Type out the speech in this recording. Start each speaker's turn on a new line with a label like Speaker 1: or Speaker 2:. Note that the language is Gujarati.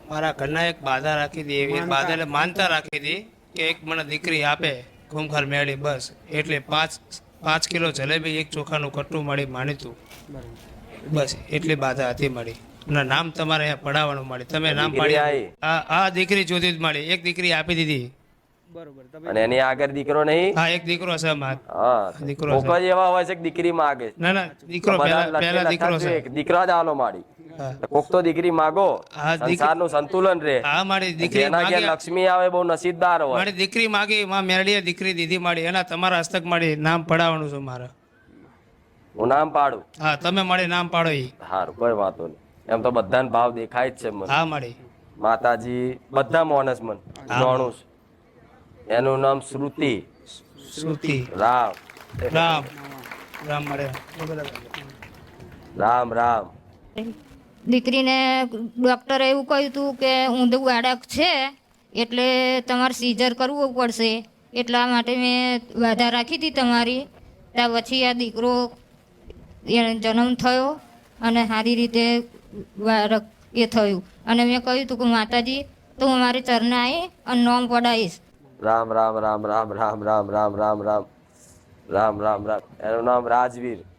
Speaker 1: મારા ઘરના એક બાધા રાખી હતી, એવી એક બાધા એટલે માનતા રાખી હતી કે એક મને દીકરી આપે ખૂંખાર મેળી, બસ. એટલે 5 કિલો જલેબી, એક ચોખાનું કટ્ટું મળી માનીતું, બસ એટલી બાધા હતી મળી. ના નામ તમારે અહીંયા પડાવવાનું મળી, તમે નામ
Speaker 2: દીકરી
Speaker 1: પાડી
Speaker 2: આવી?
Speaker 1: આ દીકરી જોતી જ મળી, એક દીકરી આપી દીધી.
Speaker 2: અને એની આગળ દીકરો નહીં?
Speaker 1: હા એક દીકરો છે માર,
Speaker 2: હા,
Speaker 1: દીકરો
Speaker 2: કોક
Speaker 1: છે.
Speaker 2: જ એવા હોય છે કે દીકરી માગે.
Speaker 1: ના ના દીકરો પહેલા દીકરો છે.
Speaker 2: દીકરા જ આલો માડી.
Speaker 1: હા.
Speaker 2: કોક તો દીકરી માગો,
Speaker 1: હા,
Speaker 2: સંસારનું સંતુલન રહે.
Speaker 1: હા મારી દીકરી
Speaker 2: જેના ઘેર
Speaker 1: માગી,
Speaker 2: લક્ષ્મી આવે બહુ નસીબદાર હોય.
Speaker 1: મારી દીકરી માગી, માં મેરડીએ દીકરી દીધી મારી, એના તમારા હસ્તક મારી નામ પડાવવાનું છે મારે.
Speaker 2: હું નામ પાડું?
Speaker 1: હા તમે મારી નામ પાડો ઈ.
Speaker 2: સારું, કોઈ વાતો નહીં. એમ તો બધાને ભાવ દેખાય જ છે મને.
Speaker 1: હા મારી
Speaker 2: માતાજી બધા માણસ મન જાણું છું. એનું નામ શ્રુતિ.
Speaker 1: શ્રુતિ.
Speaker 2: રામ
Speaker 1: રામ રામ મળે.
Speaker 2: રામ રામ.
Speaker 3: દીકરીને ડૉક્ટરે એવું કહ્યું હતું કે ઊંધું બાળક છે એટલે તમારે સીઝર કરવું પડશે, એટલા માટે મેં બાધા રાખી હતી તમારી. ત્યાં પછી આ દીકરો એને જન્મ થયો અને સારી રીતે બાળક એ થયું. અને મેં કહ્યું હતું કે માતાજી તો હું મારી ચરણે આવી અને નોમ પડાવીશ.
Speaker 2: રામ રામ રામ રામ રામ રામ રામ રામ રામ રામ રામ રામ. એનું નામ રાજવીર.